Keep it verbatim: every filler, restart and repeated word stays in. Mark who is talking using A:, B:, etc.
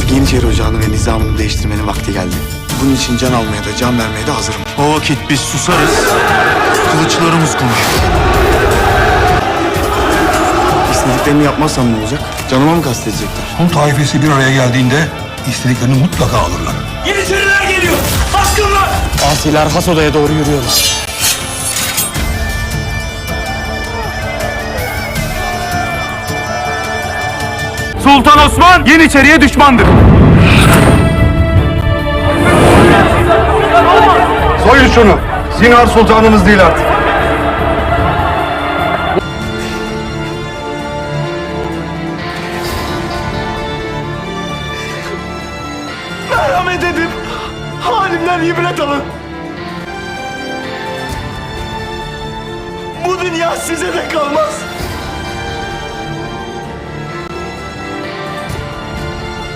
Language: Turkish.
A: Yeniçeri Ocağı'nı ve nizamını değiştirmenin vakti geldi. Bunun için can almaya da can vermeye de hazırım.
B: O vakit biz susarız, kılıçlarımız konuşur.
A: İstediklerini yapmazsam ne olacak? Canıma mı kastedecekler?
C: Hun taifesi bir araya geldiğinde istediklerini mutlaka alırlar.
D: Yeniçeriler geliyor! Baskınlar!
E: Asiler has odaya doğru yürüyorlar.
B: Sultan Osman Yeniçeri'ye düşmandır.
F: Soyun şunu. Zinhar sultanımız değil artık.
D: Merhamet edin! Halimden ibret alın! Bu dünya size de kalmaz!